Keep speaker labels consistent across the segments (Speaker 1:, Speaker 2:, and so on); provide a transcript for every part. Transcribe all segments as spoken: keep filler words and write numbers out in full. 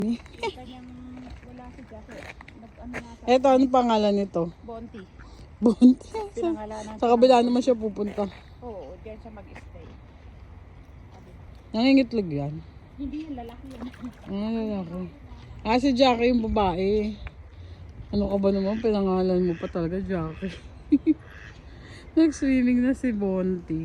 Speaker 1: Kanyang wala si Jackie. Nag-ano nga sa
Speaker 2: Eto, ano pangalan nito?
Speaker 1: Bonti.
Speaker 2: Bonti. Sa,
Speaker 1: Pinangalanan
Speaker 2: sa kabila naman siya pupunta.
Speaker 1: Oo, diyan siya mag-stay.
Speaker 2: Nangingitlog yan.
Speaker 1: Hindi yung lalaki yun.
Speaker 2: Ano lalaki? Ah, si Jackie yung babae. Ano ka ba naman? Pinangalan mo pa talaga, Jackie. Nag-swimming na si Bonti.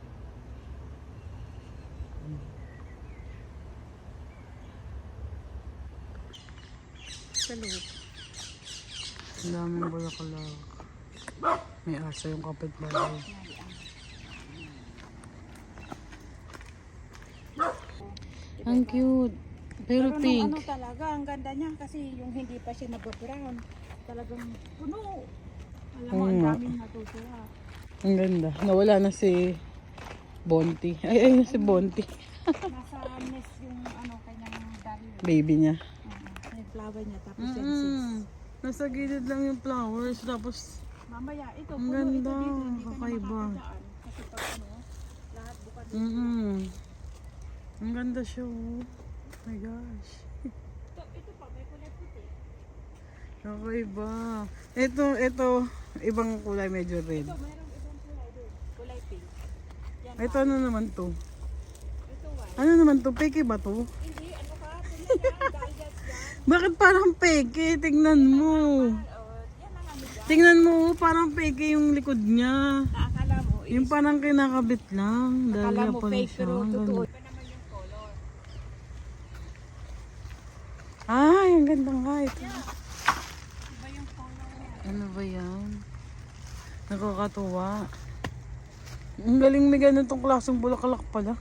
Speaker 1: Sa loob.
Speaker 2: Ang daming bulaklak. May asa yung kapitbahay. Ang cute. Pero,
Speaker 1: Pero
Speaker 2: pink.
Speaker 1: nung ano talaga, ang ganda niya kasi yung hindi pa siya nababrown. Talagang puno. Alam mo,
Speaker 2: Oo
Speaker 1: ang
Speaker 2: nga.
Speaker 1: daming natutuwa.
Speaker 2: Ang ganda. Nawala na si Bonti. Ay, ay na si Bonti.
Speaker 1: Nasa nest yung ano, kanyang dahil.
Speaker 2: Baby niya.
Speaker 1: Uh, yung flower niya, tapos
Speaker 2: Mm
Speaker 1: yung seeds.
Speaker 2: Nasa gilid lang yung flowers. Tapos,
Speaker 1: Mamaya, ito,
Speaker 2: ang
Speaker 1: puno
Speaker 2: ganda.
Speaker 1: ito dito. Hindi ka na
Speaker 2: Kakaiba.
Speaker 1: makakadaan. Kasi pag ano, lahat bukan dito.
Speaker 2: Mm -hmm. Ang ganda siya. Oh my gosh.
Speaker 1: Ito, ito pa, may kulay puti.
Speaker 2: Kakaiba. Ito, ito. Ibang kulay medyo red.
Speaker 1: Ito, mayroong ibang kulay doon. Kulay pink. Yan,
Speaker 2: Ito ano naman to?
Speaker 1: ito white.
Speaker 2: Ano naman to? Peke ba to?
Speaker 1: Hindi, ano ka? Tingnan yan, dahil yan.
Speaker 2: Bakit parang peke? Tignan mo.
Speaker 1: Oh, yan ang ano dyan.
Speaker 2: Tingnan mo, oh, parang peke yung likod niya.
Speaker 1: Naakala mo, is,
Speaker 2: Yung parang kinakabit lang.
Speaker 1: akala
Speaker 2: Dahlia
Speaker 1: mo
Speaker 2: pala
Speaker 1: fake,
Speaker 2: siya.
Speaker 1: pero
Speaker 2: Ang
Speaker 1: totoo.
Speaker 2: ganda.
Speaker 1: Iba naman yung color.
Speaker 2: Ay, ang ganda nga ito.
Speaker 1: Iba yung color niya.
Speaker 2: Ano ba yan? Nakakatuwa. Ang galing may ganitong klaseng bulaklak pala.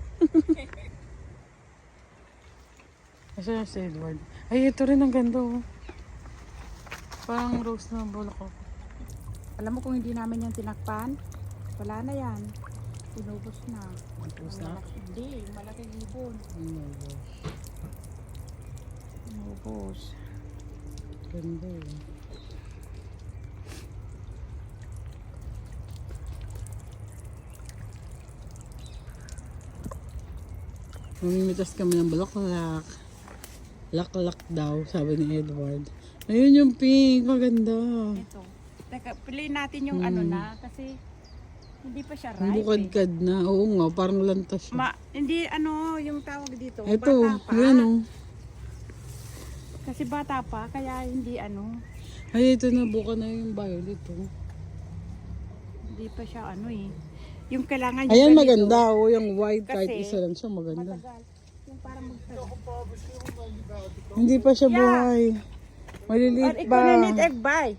Speaker 2: Asa na si Edward? Ay, ito rin ang ganda oh. Parang rose na bulaklak.
Speaker 1: Alam mo kung hindi namin yan tinakpan, wala na yan. Tinubos na.
Speaker 2: Tapos
Speaker 1: Ang
Speaker 2: na?
Speaker 1: malaki- Hindi, yung malaking ibon.
Speaker 2: Oh my gosh.
Speaker 1: Tinubos.
Speaker 2: Ganda eh. Mamimitas kami ng bulaklak. Laklak daw, sabi ni Edward. Ayun yung pink, maganda.
Speaker 1: Ito. Teka, piliin natin yung
Speaker 2: Hmm.
Speaker 1: ano na, kasi hindi pa siya
Speaker 2: Ang
Speaker 1: ripe eh.
Speaker 2: bukad-kad na. Oo nga, parang lantas siya.
Speaker 1: Ma, hindi ano yung tawag dito,
Speaker 2: Ito,
Speaker 1: bata pa.
Speaker 2: yan oh.
Speaker 1: Kasi bata pa, kaya hindi ano,
Speaker 2: Ay, ito na, buka na yung violet oh.
Speaker 1: hindi pa siya ano eh. Yung kailangan yung
Speaker 2: Ayan,
Speaker 1: ganito,
Speaker 2: maganda oh. Yung white, kahit
Speaker 1: Kasi,
Speaker 2: isa lang siya, maganda.
Speaker 1: matagal. Yung parang magtagal.
Speaker 2: Hindi pa siya
Speaker 1: Yeah.
Speaker 2: buhay.
Speaker 1: Or
Speaker 2: Maliliit
Speaker 1: ikaw
Speaker 2: pa.
Speaker 1: na need egg buy.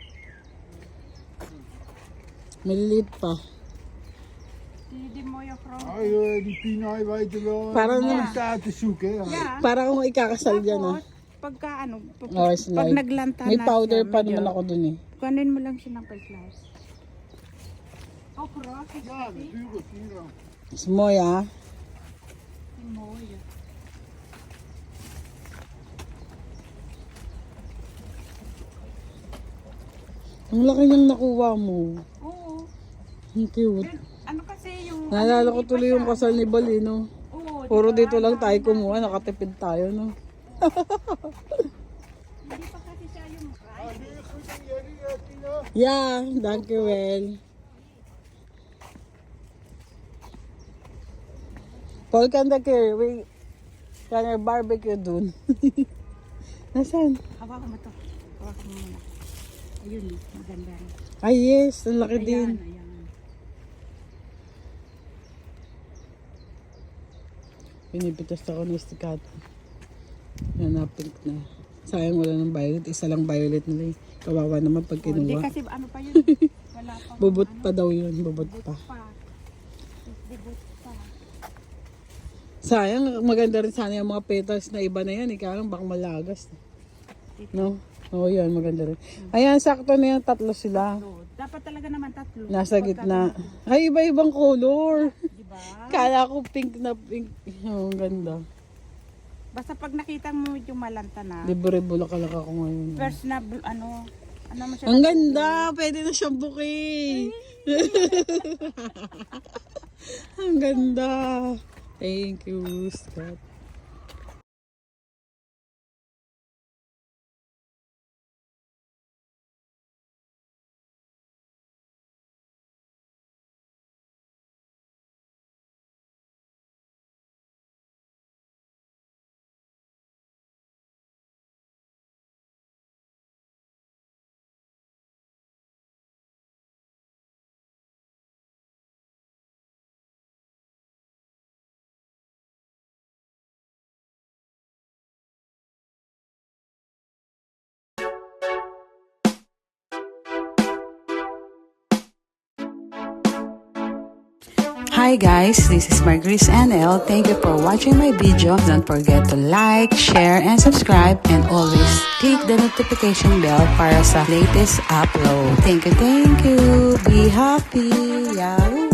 Speaker 2: Maliliit pa.
Speaker 1: Hindi mo yung from.
Speaker 3: Ah, joh, die Pina, je weet er wel.
Speaker 2: Para
Speaker 3: Para
Speaker 2: na-
Speaker 3: staat te zoeken. Ja.
Speaker 1: Yeah.
Speaker 2: Para kung ikakasal dyan ah.
Speaker 1: Tapos, pagka ano, pag,
Speaker 2: Oh,
Speaker 1: pag
Speaker 2: slide.
Speaker 1: naglanta
Speaker 2: May
Speaker 1: na
Speaker 2: powder
Speaker 1: siya,
Speaker 2: pa
Speaker 1: medyo-
Speaker 2: naman ako dun eh.
Speaker 1: Kunin mo lang siya ng pag-slice. Oh, cross.
Speaker 3: Ja, natuurlijk. Hier dan.
Speaker 2: Smoy ah.
Speaker 1: Mo yun.
Speaker 2: Ang laki niyang nakuha mo.
Speaker 1: Oo.
Speaker 2: Ang cute.
Speaker 1: Yun, ano kasi yung...
Speaker 2: Naalala
Speaker 1: ano,
Speaker 2: ko
Speaker 1: hindi
Speaker 2: tuloy
Speaker 1: pa
Speaker 2: yung
Speaker 1: siya-
Speaker 2: kasal ni Balino.
Speaker 1: Oo,
Speaker 2: Puro
Speaker 1: diba?
Speaker 2: dito lang tayo kumuha, nakatipid tayo no.
Speaker 1: Hindi pa kasi siya yung ripe.
Speaker 3: Doe je goed aan jullie, eh, Pina?
Speaker 2: Yeah, thank you well. Paul kan keer, we kan er barbecue dun. Nasaan?
Speaker 1: Hawakan mo to. Hawakan mo muna. Ayun, maganda rin.
Speaker 2: Ay yes, ang laki
Speaker 1: Ayan,
Speaker 2: din.
Speaker 1: ayan.
Speaker 2: Pinipitas ako ni Stikat. Yan na, pink na. Sayang wala ng violet. Isa lang violet nila eh. Kawawa naman pag
Speaker 1: Oh, hindi
Speaker 2: kinuha.
Speaker 1: kasi ano pa yun. Wala pa.
Speaker 2: Bubot
Speaker 1: ano,
Speaker 2: pa daw yun. Bubot pa.
Speaker 1: pa. Bubot pa.
Speaker 2: Sayang, maganda rin sana yung mga petals na iba na yan. Ikaw lang, baka malagas. No? Oo, yan, maganda rin. Ayan, sakto na yan. Tatlo sila.
Speaker 1: So, dapat talaga naman tatlo.
Speaker 2: Nasa
Speaker 1: Pagka-
Speaker 2: gitna. Ay, iba-ibang color.
Speaker 1: Diba?
Speaker 2: Kala ko pink na pink. Oh, ang ganda.
Speaker 1: Basta pag nakita mo yung malanta na,
Speaker 2: Libre bulaklak ako ngayon.
Speaker 1: first na bl- ano, ano mo siya.
Speaker 2: Ang ganda! Pwede na siyang bouquet. Ang ganda. Thank you, Scott. Hi guys, this is Margris N L. Thank you for watching my video. Don't forget to like, share, and subscribe. And always click the notification bell para sa latest upload. Thank you, thank you. Be happy. Yahoo!